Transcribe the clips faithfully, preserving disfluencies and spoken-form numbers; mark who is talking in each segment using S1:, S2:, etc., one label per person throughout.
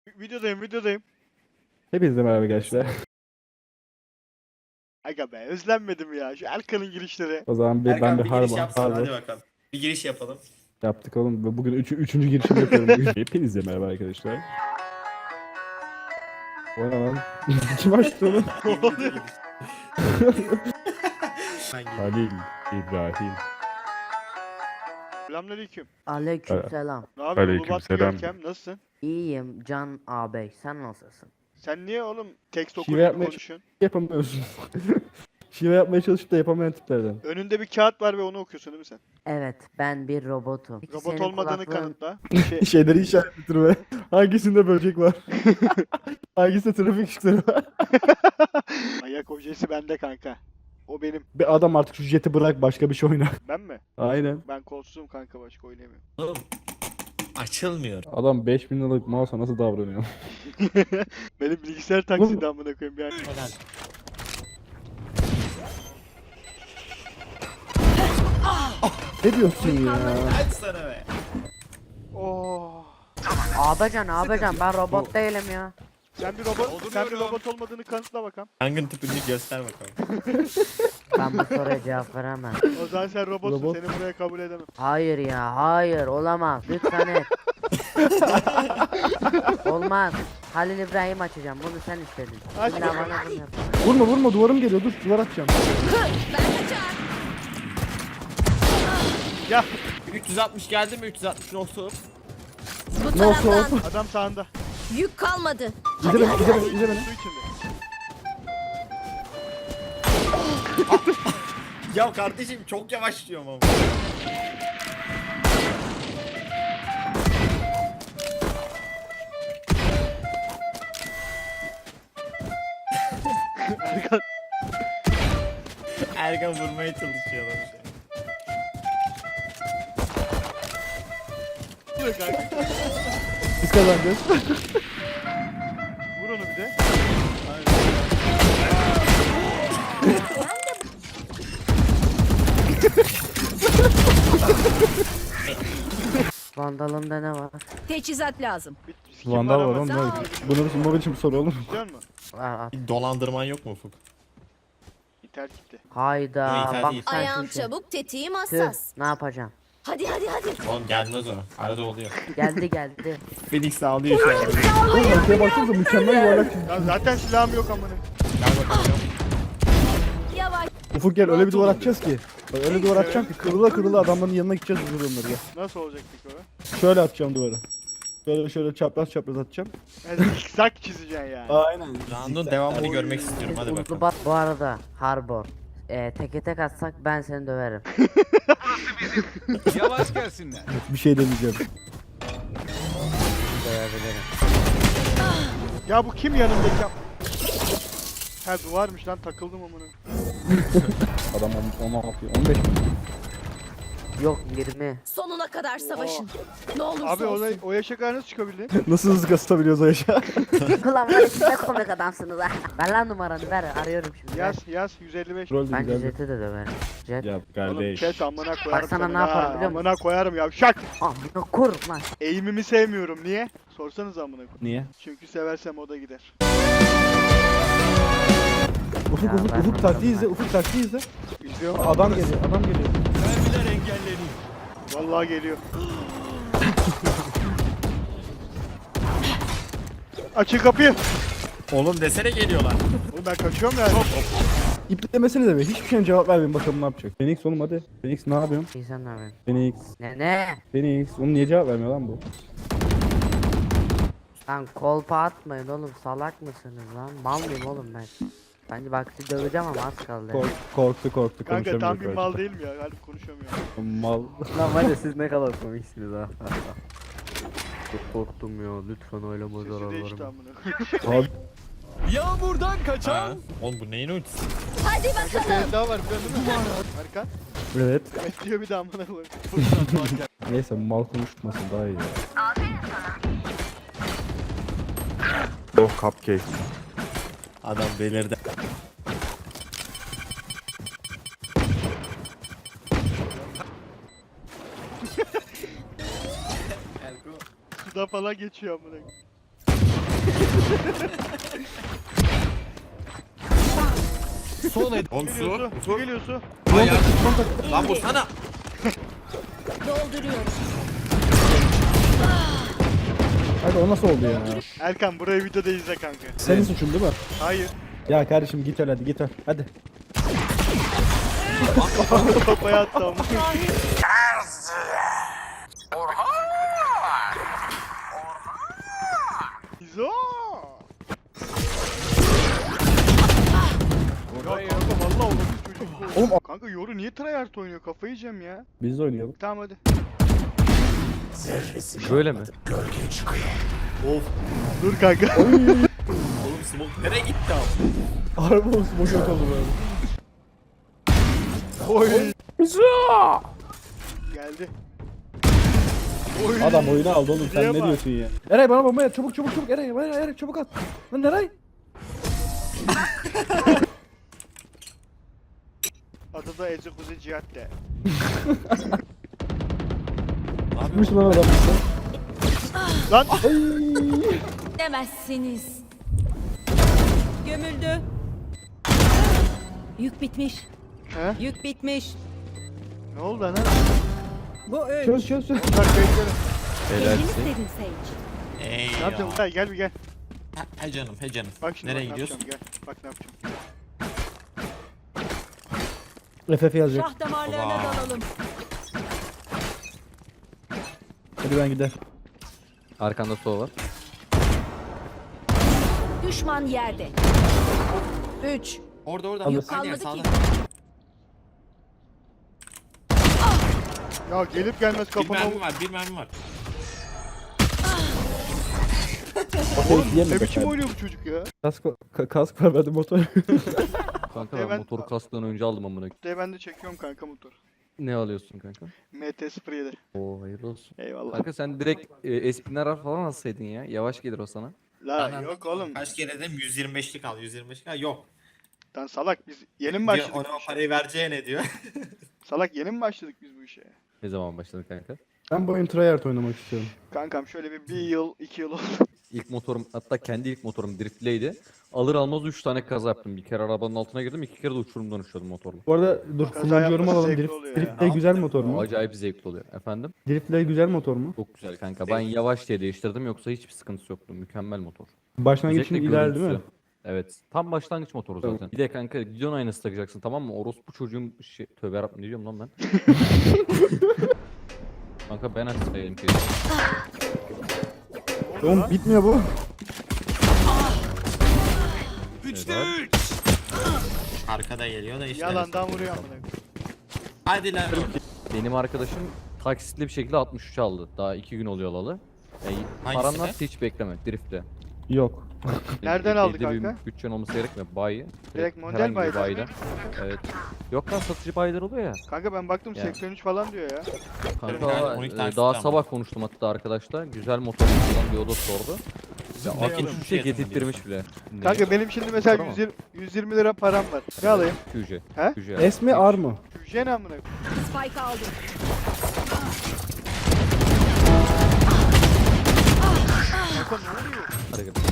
S1: Videodayım videodayım.
S2: Hepinize merhaba gençler.
S1: Aga be özlenmedim ya. Şu Erkan'ın girişleri.
S2: O zaman bir, ben
S3: Erkan
S2: bir
S3: bir giriş
S2: harba,
S3: yapsana
S2: harba
S3: hadi bakalım. Bir giriş yapalım.
S2: yaptık oğlum. Ve bugün üç, üçüncü girişimi yapıyorum bugün. Hepinize merhaba arkadaşlar. O ne lan? Kim açtı onu?
S3: Ben gireyim.
S2: Halil İbrahim.
S1: Selamünaleyküm.
S4: Aleykümselam.
S1: Ne yapıyorsun
S2: Aleykümselam.
S1: Ulubat Görkem? Nasılsın?
S4: İyiyim Can ağabey. Sen nasılsın?
S1: Sen niye oğlum tekst
S2: Şive
S1: okur gibi
S2: yapmaya-
S1: konuşuyorsun?
S2: Yapamıyorsun. Şive yapmaya çalışıp da yapamayan tiplerden.
S1: Önünde bir kağıt var ve onu okuyorsun değil mi sen?
S4: Evet, ben bir robotum. Peki
S1: Robot
S4: senin
S1: olmadığını
S4: kulaklığın-
S1: kanıtla. Şey,
S2: Şeyleri işaretletirme. Hangisinde böcek var? Hangisinde trafik ışıkları var?
S1: ayak ojesi bende kanka. O benim.
S2: Bir adam artık şu jeti bırak başka bir şey oyna.
S1: Ben mi?
S2: Aynen.
S1: Ben kolsuzum kanka başka oynayamıyorum.
S3: Oğlum açılmıyor.
S2: Adam beş bin liralık mouse'a nasıl davranıyor?
S1: Benim bilgisayar taksidi amına koyayım yani.
S3: Helal.
S2: Ne diyorsun ya?
S3: Hadi sana be.
S1: Oo.
S4: Ağabeycan ağabeycan ben robot değilim ya.
S1: Sen bir robot, sen bir robot olmadığını kanıtla bakalım.
S3: Yangın tüpünü göster bakalım.
S4: Ben bu soruya cevap veremem.
S1: O zaman sen robotsun,
S2: Robot.
S1: seni buraya kabul edemem.
S4: Hayır ya hayır olamaz. Lütfen et. Olmaz. Halil İbrahim açacağım. Bunu sen istedin.
S1: Aç
S4: İlla
S1: bakalım.
S4: bana bunu yap.
S2: Vurma vurma duvarım geliyor dur duvar atacağım.
S1: Ya
S3: üç yüz altmış geldi mi? üç yüz altmış olsun.
S5: Bu
S2: Ne olsa
S5: taraftan
S2: olsun.
S1: adam sağında.
S5: yük kalmadı.
S2: İzle beni izle beni izle beni.
S1: Su içinde.
S3: Ya kardeşim çok yavaş diyorum ama.
S1: Erkan.
S3: Erkan vurmaya çalışıyor adam.
S1: Dur kanka.
S2: Biz kazanacağız.
S1: Vur onu bir de.
S4: Vandalımda ne var?
S5: Teçhizat lazım.
S1: Bir sikim
S2: Vandal var
S1: ama.
S2: oğlum.
S5: Sağ
S2: ne-
S5: ol.
S2: Bunu mobil için bir soru olur mu?
S1: Biliyor musun?
S4: Var at.
S3: Bir dolandırman yok mu Ufuk?
S1: İnternet gitti.
S4: Hayda
S3: Yok,
S4: bak
S3: değil.
S4: sen
S5: Ayağım
S4: şu şey.
S5: çabuk, tetiğim
S4: Tüh,
S5: hassas.
S4: ne yapacağım?
S5: Hadi hadi hadi.
S3: Oğlum gelmez o. Arada oluyor.
S4: Geldi geldi.
S3: Felix sağlıyor şu an.
S2: Oğlum arkaya baksanıza mükemmel yuvarlak çizgi.
S1: Ya zaten silahım yok amına.
S3: Gel bakalım.
S5: Yavaş.
S2: Ufuk gel öyle bir duvar atacağız ki. Bak öyle bir duvar atacağım ki kırıla kırıla adamların yanına gideceğiz vurur onları ya.
S1: Nasıl olacak peki o?
S2: Şöyle atacağım duvarı. Şöyle şöyle çapraz çapraz atacağım.
S1: Yani zikzak çizeceksin yani.
S2: Aynen.
S3: Round'un devamını görmek istiyorum hadi bakalım.
S4: Ulubat bu arada Harbor. Ee, teke tek atsak ben seni döverim.
S6: Yavaş gelsinler.
S2: Bir şey demeyeceğim.
S4: Dövebilirim.
S1: Ya bu kim yanındaki? Ha duvarmış lan takıldım amına.
S2: Adam on altı on beş.
S4: Yok yirmi.
S5: Sonuna kadar savaşın. Ne olursa
S1: Abi o,
S5: olsun.
S1: o yaşa kadar nasıl çıkabildin?
S2: Nasıl hızlı kasıtabiliyoruz o yaşa?
S4: Ulan var siz ne komik adamsınız ha. Ver lan numaranı ver arıyorum şimdi. Ver.
S1: Yaz yaz yüz elli beş.
S2: Rol de
S4: Bence
S2: güzel.
S4: Jet'i de döverim. Jet.
S2: Ya
S1: Oğlum
S2: kardeş.
S1: chat amına koyarım.
S4: Bak sana
S1: seni
S4: ne
S1: ha,
S4: yaparım biliyor musun?
S1: Amına koyarım ya şak.
S4: Amına kur lan.
S1: Eğimimi sevmiyorum niye? Sorsanız amına koy.
S2: Niye?
S1: Çünkü seversem o da gider.
S2: Ufuk
S4: Ya
S2: ufuk
S4: ben
S2: ufuk
S4: anladım
S2: taktiği
S4: ben.
S2: izle ufuk taktiği izle.
S1: İzliyor.
S2: Adam geliyor adam geliyor.
S6: Mermiler engelleniyor.
S1: Vallahi geliyor. Açın kapıyı.
S3: Oğlum desene geliyorlar.
S1: Oğlum ben kaçıyorum yani.
S2: İplemesene de be. Hiçbir şeyin cevap vermeyin bakalım ne yapacak. Phoenix oğlum hadi. Phoenix ne yapıyorsun?
S4: İyi sen ne yapıyorsun?
S2: Phoenix.
S4: Ne ne?
S2: Phoenix. Oğlum niye cevap vermiyor lan bu?
S4: Lan kolpa atmayın oğlum salak mısınız lan? Mal mıyım oğlum ben? Bence bak sizi döveceğim ama az kaldı.
S2: Kork, korktu korktu
S1: Kanka tam
S2: konuşamıyor.
S1: bir mal değil mi ya? Harbi konuşamıyor.
S2: Mal.
S4: Lan var ya siz ne kadar komiksiniz ha. Çok korktum ya lütfen oylama
S1: Sesi değişti
S4: zararlarım.
S1: amına.
S2: Abi
S6: Yağmurdan
S3: Ha.
S6: kaçan.
S3: Oğlum bu neyin ultisi?
S5: Hadi bakalım.
S1: Senin daha var biliyorsun değil mi? Erkan.
S2: evet.
S1: Evet diyor bir daha amına koyayım.
S2: Neyse mal konuşmasın daha iyi. Oh cupcake.
S3: Adam belirdi.
S1: Suda falan geçiyor amına.
S3: Son et. Oğlum
S1: Geliyor su. Su geliyor su.
S3: Ay yardım. Lan bu sana.
S5: Dolduruyorum.
S2: Hadi o nasıl oldu ya?
S1: Erkan burayı videoda izle kanka.
S2: Senin suçun değil mi?
S1: Hayır.
S2: Ya kardeşim git öl hadi git öl. Hadi.
S1: Kafaya attı ama. İzo. Ya kanka vallahi olur bir çocuk.
S2: Oğlum
S1: Kanka Yoru niye tryhard oynuyor? Kafayı yiyeceğim ya.
S2: biz de oynayalım.
S1: Tamam hadi.
S2: Böyle mi?
S3: Of.
S1: Dur kanka.
S3: Oğlum smoke nereye gitti abi?
S2: Harbi olsun boş yok oldu böyle.
S1: Oy. Geldi. Oy.
S2: Adam oyunu aldı oğlum sen
S1: Niye
S2: ne
S1: bak?
S2: diyorsun ya? Eray bana bomba at çabuk çabuk çabuk Eray Eray Eray çabuk at. Lan Eray.
S1: Adı da Ece Kuzi Cihat de.
S2: Çıkmış lan adam.
S1: Lan.
S5: Demezsiniz. Gömüldü. Yük bitmiş.
S1: He?
S5: Yük bitmiş.
S1: Ne oldu lan?
S5: Bu öl.
S2: Çöz çöz çöz.
S1: Bak beklerim.
S5: Kendini istedin Sage.
S3: Ey
S1: Ne
S3: ya.
S1: yapacağım? Gel gel bir gel.
S3: Ha, He canım he canım.
S1: Bak şimdi
S3: Nereye
S1: bak, ne
S3: gidiyorsun?
S1: yapacağım, Gel. Bak ne yapacağım.
S2: F F yazacak.
S5: Şah damarlarına
S3: Vay.
S5: dalalım.
S2: Hadi ben gider.
S7: Arkanda sol var.
S5: Düşman yerde. Üç.
S3: Orada orada.
S2: Alır.
S3: Aynı yer,
S5: Kalmadı
S3: sağda.
S5: ki.
S1: Ya gelip gelmez
S3: Bir
S1: kafama
S3: mermi var bir mermi var.
S2: Oğlum
S1: Ne biçim oynuyor bu çocuk ya?
S2: Kask, ka- kask var bende motor.
S7: Kanka
S1: E
S7: ben
S1: ben-
S7: motoru kasktan önce aldım amına.
S1: De ben de çekiyorum kanka motor.
S7: Ne alıyorsun kanka?
S1: M T sıfır yedi.
S7: Oo hayırlı olsun.
S1: Eyvallah.
S7: Kanka sen direkt e, Espinarar falan alsaydın ya. Yavaş gelir o sana.
S1: La
S3: Anan,
S1: yok oğlum.
S3: Kaç kere dedim yüz yirmi beşlik al yüz yirmi beşlik al yok.
S1: Lan salak biz yeni mi
S3: Diyor,
S1: başladık?
S3: ona
S1: bu
S3: o
S1: işe?
S3: parayı vereceğine diyor.
S1: Salak yeni mi başladık biz bu işe?
S7: Ne zaman başladın kanka?
S2: Ben bu oyun tryhard oynamak istiyorum.
S1: Kankam şöyle bir bir yıl iki yıl oldu.
S7: İlk motorum hatta kendi ilk motorum driftleydi. Alır almaz üç tane kaza yaptım. Bir kere arabanın altına girdim, iki kere de uçurumdan uçuyordum motorla.
S2: Bu arada dur
S1: Kaza
S2: full yorum
S1: yapması
S2: alalım.
S1: zevkli
S2: Drift,
S1: oluyor ya.
S2: Driftlay güzel motor mu?
S7: Acayip zevkli oluyor. Efendim?
S2: Driftlay güzel motor mu?
S7: Çok güzel kanka. Ben yavaş diye değiştirdim yoksa hiçbir sıkıntısı yoktu. Mükemmel motor.
S2: Başlangıç için
S7: Özellikle
S2: ideal değil mi?
S7: görüntüsü. Evet. Tam başlangıç motoru zaten. Bir de kanka gidon aynası takacaksın tamam mı? Orospu çocuğun şey... Tövbe yarabbim ne diyorum lan ben? Kanka ben açsaydım ki.
S2: Oğlum bitmiyor bu.
S6: Üçte
S7: Evet.
S6: üç.
S3: Arkada geliyor da işte.
S1: Yalandan vuruyor amına koyayım.
S3: Hadi lan.
S7: Benim arkadaşım taksitli bir şekilde altmış üç aldı. Daha iki gün oluyor alalı. E, paran
S3: Hangisine?
S7: varsa hiç bekleme. Drift'te.
S2: Yok.
S1: Nereden
S7: Belli
S1: aldı
S7: bir
S1: kanka?
S7: bütçen olması gerekmiyor. Bayi.
S1: Direkt model
S7: herhangi bir
S1: bayiden
S7: bayiden. Evet. Yok lan satıcı bayiler oluyor ya.
S1: Kanka ben baktım
S7: Ya.
S1: seksen üç falan diyor ya.
S7: Kanka
S3: Yani
S7: e,
S3: on iki
S7: daha
S3: taksitle ama.
S7: sabah konuştum hatta arkadaşla. Güzel motor falan diye o da sordu. Ya
S3: Ne
S7: altmış
S3: alıyorsun?
S7: üçe
S3: Fiyatını
S7: getirttirmiş bile. Ne?
S1: Kanka benim şimdi mesela
S7: Para mı?
S1: yüz yirmi, yüz yirmi lira param var. Ne alayım?
S7: Q J.
S1: He?
S7: Q J.
S2: S mi R mı?
S1: Yüce ne amına koyayım?
S5: Spike aldım.
S1: Kanka ne oluyor?
S7: Hadi gel.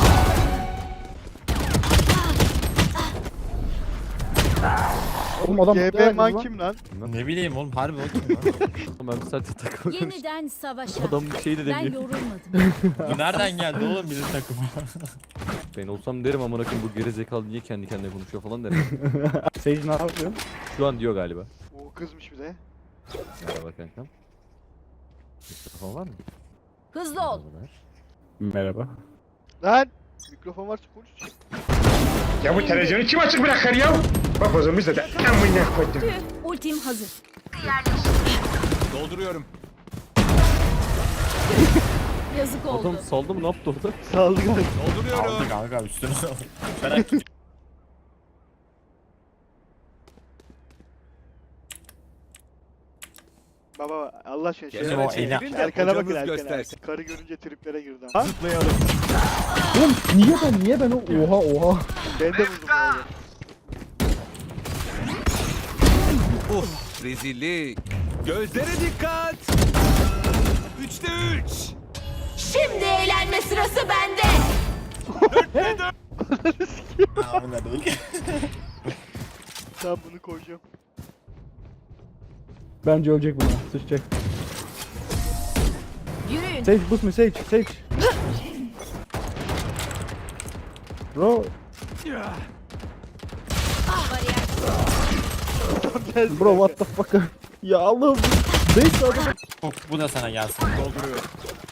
S2: Oğlum adam
S1: G B man
S2: lan.
S1: kim lan?
S3: Ne bileyim oğlum harbi o kim lan?
S7: Ben bir saate takıldım.
S5: Yeniden savaşa.
S7: Adam bir şey de
S5: Ben
S7: demiyor.
S5: yorulmadım.
S3: Bu nereden geldi oğlum bizim takıma?
S7: Ben olsam derim amına koyayım bu geri zekalı niye kendi kendine konuşuyor falan derim.
S2: Sage ne yapıyor?
S7: Şu an diyor galiba.
S1: O kızmış bize.
S7: Merhaba kankam. Mikrofon var mı?
S5: Hızlı ol.
S2: Merhaba.
S1: Lan! Mikrofon varsa konuş.
S8: Ya bu televizyonu kim açık bırakır ya? Bak o zaman biz de amına koydum.
S5: Tüh, ultim hazır.
S6: Dolduruyorum.
S5: Yazık oldu.
S7: Adam saldı mı ne yaptı orada?
S1: Saldı galiba.
S6: Dolduruyorum.
S3: Aldı kanka üstüne aldı. Merak etme.
S1: Baba Allah aşkına şey
S3: Gene o eli-
S1: Erkan'a bakın
S6: Hocamız
S1: Erkan'a.
S6: göstersin.
S1: Karı görünce triplere girdi. Ha?
S6: Zıplayalım.
S2: Oğlum niye ben niye ben o oha oha.
S1: Ben de vurdum bu arada.
S6: Uf, rezillik. Gözlere dikkat. Üçte üç.
S5: Şimdi eğlenme sırası bende.
S3: Amına değil.
S1: Tamam bunu koyacağım.
S2: Bence ölecek buna. Sıçacak.
S5: Yürüyün.
S2: Sage boost me Sage. Sage. Bro.
S5: Bariyer.
S2: Bro what the fuck. Ya Allah'ım. Sage sağda.
S3: Bu, bu da sana gelsin.
S1: Dolduruyor.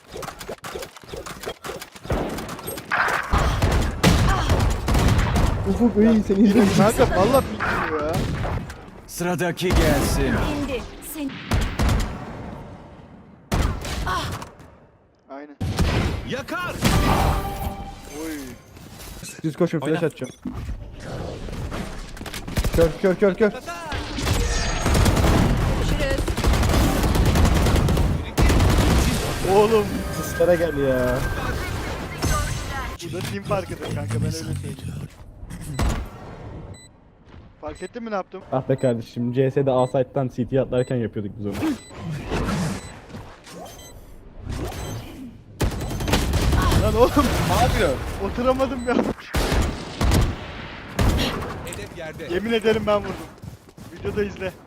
S2: Ufuk iyi seni izledim.
S1: Kanka valla bitmiyor ya.
S6: Sıradaki gelsin.
S5: İndi. Sen.
S1: Aynen.
S6: Yakar.
S1: Oy.
S2: Siz koşun flash
S3: Oyna.
S2: atacağım. Kör kör kör kör.
S5: Görüşürüz.
S1: Oğlum.
S2: Sıçlara gel ya.
S1: Bu da team farkıdır kanka ben öyle söyleyeyim. Fark ettin mi ne yaptım?
S2: Ah be kardeşim C S'de A site'dan C T'ye atlarken yapıyorduk biz onu.
S1: Lan oğlum
S3: Ne yapıyor?
S1: oturamadım ya.
S6: Hedef yerde.
S1: Yemin ederim ben vurdum. Videoda izle.